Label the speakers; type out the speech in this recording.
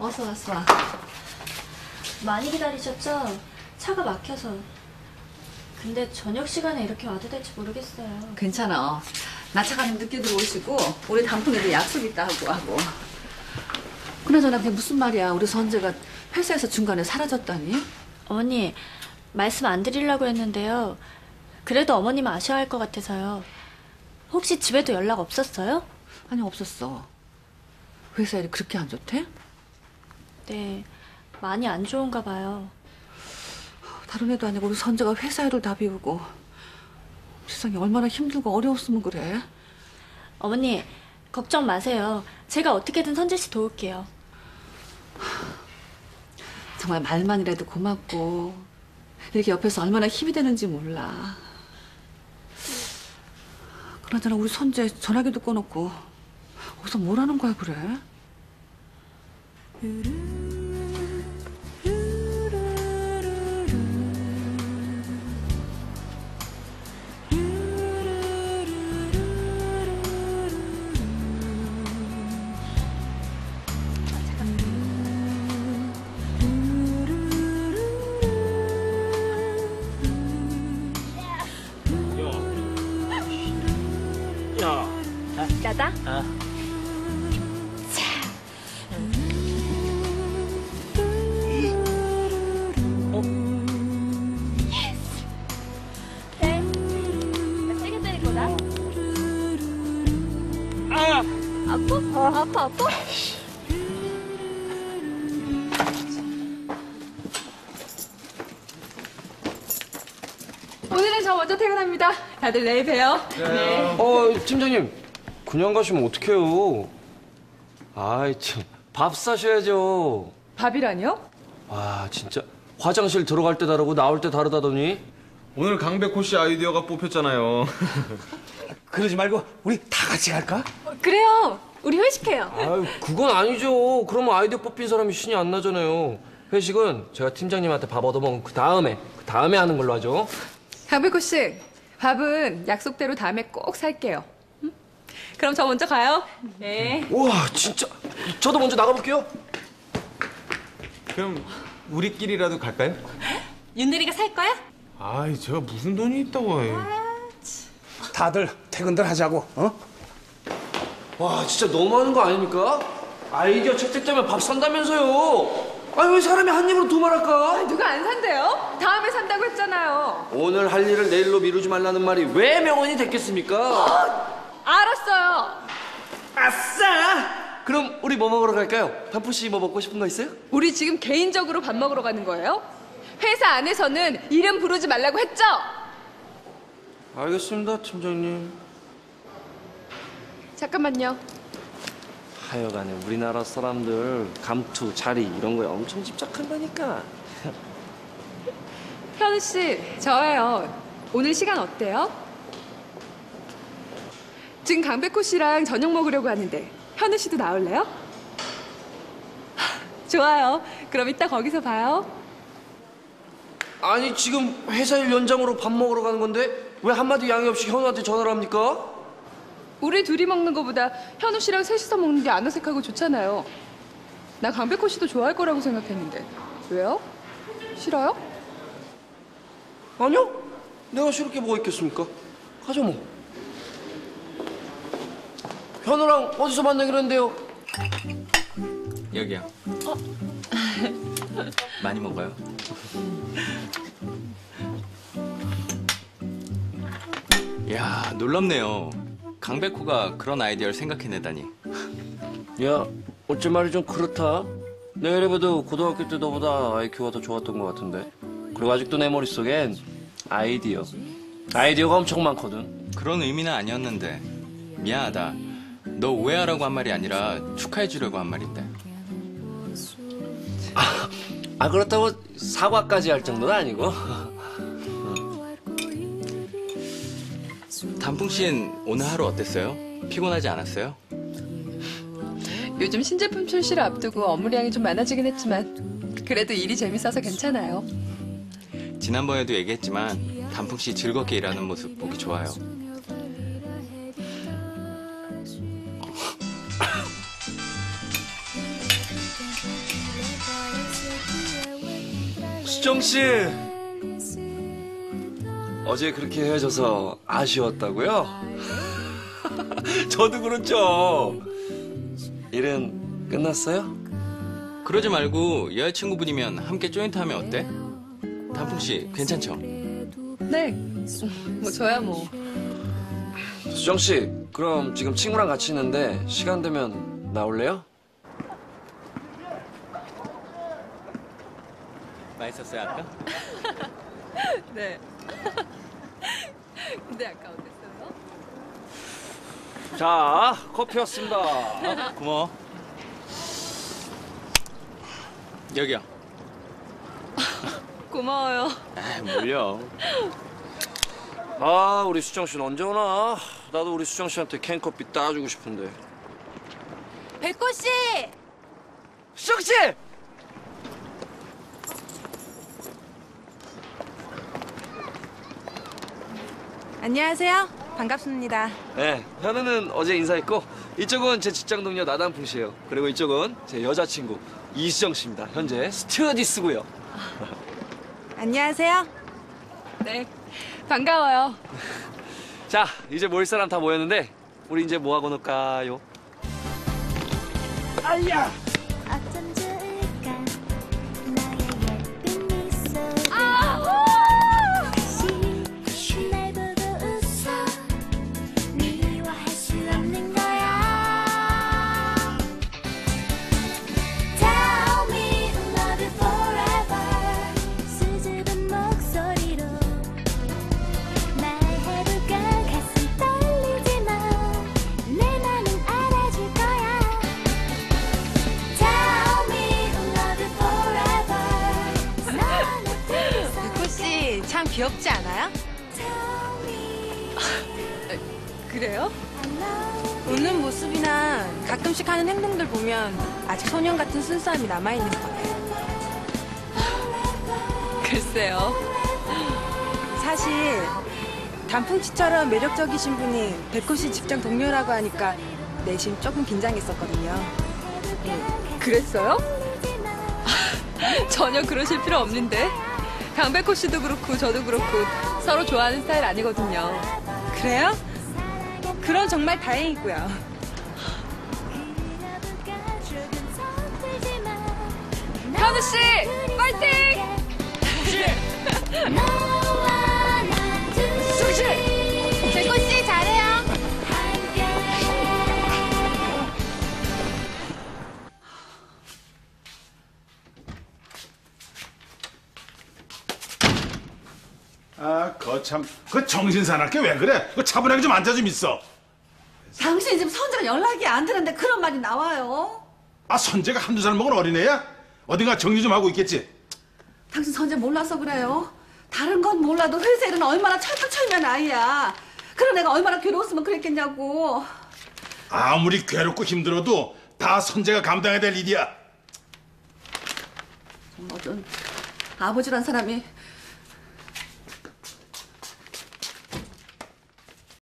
Speaker 1: 어서 와.
Speaker 2: 많이 기다리셨죠? 차가 막혀서. 근데 저녁 시간에 이렇게 와도 될지 모르겠어요.
Speaker 1: 괜찮아. 나 차가님 늦게 들어오시고 우리 단풍에도 약속 있다 하고. 그나저나 그게 무슨 말이야. 우리 선재가 회사에서 중간에 사라졌다니?
Speaker 2: 어머니, 말씀 안 드리려고 했는데요. 그래도 어머님 아쉬워할 것 같아서요. 혹시 집에도 연락 없었어요?
Speaker 1: 아니, 없었어. 회사 일이 그렇게 안 좋대?
Speaker 2: 네, 많이 안 좋은가 봐요.
Speaker 1: 다른 애도 아니고 우리 선재가 회사 일을 다 비우고. 세상에 얼마나 힘들고 어려웠으면 그래.
Speaker 2: 어머니, 걱정 마세요. 제가 어떻게든 선재 씨 도울게요.
Speaker 1: 정말 말만이라도 고맙고 이렇게 옆에서 얼마나 힘이 되는지 몰라. 그나저나 우리 선재 전화기도 꺼놓고 어디서 뭘 하는 거야 그래?
Speaker 2: 나다? 세게 때릴 거다. 아파?
Speaker 3: 오늘은 저 먼저 퇴근합니다. 다들 내일 봬요. 네.
Speaker 4: 팀장님, 그냥 가시면 어떡해요? 아이, 참. 밥 사셔야죠.
Speaker 3: 밥이라뇨?
Speaker 4: 와, 진짜. 화장실 들어갈 때 다르고 나올 때 다르다더니.
Speaker 5: 오늘 강백호 씨 아이디어가 뽑혔잖아요.
Speaker 6: 그러지 말고 우리 다 같이 갈까?
Speaker 3: 그래요. 우리 회식해요.
Speaker 4: 아유, 그건 아니죠. 그러면 아이디어 뽑힌 사람이 신이 안 나잖아요. 회식은 제가 팀장님한테 밥 얻어먹은 그 다음에 하는 걸로 하죠.
Speaker 3: 강백호 씨, 밥은 약속대로 다음에 꼭 살게요. 응? 그럼 저 먼저 가요. 네.
Speaker 4: 우와, 진짜. 저도 먼저 나가볼게요.
Speaker 5: 그럼 우리끼리라도 갈까요?
Speaker 3: 윤대리가 살 거야?
Speaker 5: 아이, 제가 무슨 돈이 있다고 해.
Speaker 6: 다들 퇴근들 하자고.
Speaker 4: 와, 진짜 너무하는 거 아닙니까? 아이디어 채택되면 밥 산다면서요. 아니, 왜 사람이 한 입으로 두 말할까?
Speaker 3: 누가 안 산대요? 다음에 산다고 했잖아요.
Speaker 4: 오늘 할 일을 내일로 미루지 말라는 말이 왜 명언이 됐겠습니까?
Speaker 3: 알았어요.
Speaker 4: 아싸! 그럼 우리 뭐 먹으러 갈까요? 단푸 씨 뭐 먹고 싶은 거 있어요?
Speaker 3: 우리 지금 개인적으로 밥 먹으러 가는 거예요? 회사 안에서는 이름 부르지 말라고 했죠?
Speaker 4: 알겠습니다, 팀장님.
Speaker 3: 잠깐만요.
Speaker 4: 하여간에 우리나라 사람들 감투, 자리 이런 거에 엄청 집착한다니까.
Speaker 3: 현우 씨, 저예요. 오늘 시간 어때요? 지금 강백호 씨랑 저녁 먹으려고 하는데 현우 씨도 나올래요? 좋아요. 그럼 이따 거기서 봐요.
Speaker 4: 아니, 지금 회사 일 연장으로 밥 먹으러 가는 건데 왜 한마디 양해 없이 현우한테 전화를 합니까?
Speaker 3: 우리 둘이 먹는 거보다 현우 씨랑 셋이서 먹는 게 안 어색하고 좋잖아요. 나 강백호 씨도 좋아할 거라고 생각했는데 왜요? 싫어요?
Speaker 4: 아니요. 내가 싫을 게 뭐가 있겠습니까? 가자 뭐. 현우랑 어디서 만나기로 했는데요?
Speaker 7: 여기요. 많이 먹어요. 이야, 놀랍네요. 강백호가 그런 아이디어를 생각해내다니.
Speaker 4: 야, 어째 말이 좀 그렇다. 내가 이래봬도 고등학교 때 너보다 IQ가 더 좋았던 것 같은데. 그리고 아직도 내 머릿속엔 아이디어가 엄청 많거든.
Speaker 7: 그런 의미는 아니었는데. 미안하다. 너 오해하라고 한 말이 아니라 축하해주려고 한 말인데.
Speaker 4: 그렇다고 사과까지 할 정도는 아니고.
Speaker 7: 단풍 씨는 오늘 하루 어땠어요? 피곤하지 않았어요?
Speaker 3: 요즘 신제품 출시를 앞두고 업무량이 좀 많아지긴 했지만 그래도 일이 재밌어서 괜찮아요.
Speaker 7: 지난번에도 얘기했지만 단풍 씨 즐겁게 일하는 모습 보기 좋아요.
Speaker 4: 수정 씨. 어제 그렇게 헤어져서 아쉬웠다고요? 저도 그렇죠. 일은 끝났어요?
Speaker 7: 그러지 말고 여자친구분이면 함께 조인트 하면 어때? 단풍 씨 괜찮죠?
Speaker 3: 네. 뭐 저야 뭐.
Speaker 4: 수정 씨, 그럼 지금 친구랑 같이 있는데 시간 되면 나올래요?
Speaker 7: 맛있었어요 아까?
Speaker 3: 네. 근데 아까 어땠어요?
Speaker 4: 자, 커피 왔습니다.
Speaker 7: 고마워. 여기요.
Speaker 3: 고마워요.
Speaker 7: 아, 뭘요?
Speaker 4: 아, 우리 수정 씨는 언제 오나? 나도 우리 수정 씨한테 캔커피 따주고 싶은데.
Speaker 2: 백호 씨!
Speaker 4: 수정 씨!
Speaker 8: 안녕하세요. 반갑습니다.
Speaker 4: 네, 현우는 어제 인사했고 이쪽은 제 직장 동료 나단풍 씨예요. 그리고 이쪽은 제 여자친구 이수정 씨입니다. 현재 스튜어디스고요.
Speaker 8: 안녕하세요.
Speaker 3: 네. 반가워요.
Speaker 4: 자, 이제 모일 사람 다 모였는데 우리 이제 뭐 하고 놀까요?
Speaker 6: 아야!
Speaker 9: 어쩜 좋을까 나의 예쁜 미소 다시 날 보고 웃어 미워할 수 없는 거야 Tell me love you forever 수줍은 목소리로 말해볼까 가슴 떨리지만 내 맘은 알아줄 거야 Tell me love you forever
Speaker 8: 백호 씨 참 귀엽지 않아요?
Speaker 3: 그래요?
Speaker 8: 웃는 모습이나 가끔씩 하는 행동들 보면 아직 소년 같은 순수함이 남아있는 거예요.
Speaker 3: 글쎄요.
Speaker 8: 사실 단풍씨처럼 매력적이신 분이 백호 씨 직장 동료라고 하니까 내심 조금 긴장했었거든요.
Speaker 3: 그랬어요? 전혀 그러실 필요 없는데. 강백호 씨도 그렇고 저도 그렇고 서로 좋아하는 스타일 아니거든요.
Speaker 8: 그래요? 그럼 정말 다행이고요.
Speaker 3: 현우 씨, 파이팅!
Speaker 9: 수지 백호 씨 잘해요
Speaker 6: 아, 거참, 그 정신 사납게 왜 그래? 그 차분하게 좀 앉아 좀 있어.
Speaker 1: 당신 지금 선재가 연락이 안 되는데 그런 말이 나와요.
Speaker 6: 아, 선재가 한두 살 먹은 어린애야? 어딘가 정리 좀 하고 있겠지?
Speaker 1: 당신 선재 몰라서 그래요. 다른 건 몰라도 회사 일은 얼마나 철두철미한 아이야. 그런 애가 얼마나 괴로웠으면 그랬겠냐고.
Speaker 6: 아무리 괴롭고 힘들어도 다 선재가 감당해야 될 일이야.
Speaker 1: 어떤 아버지란 사람이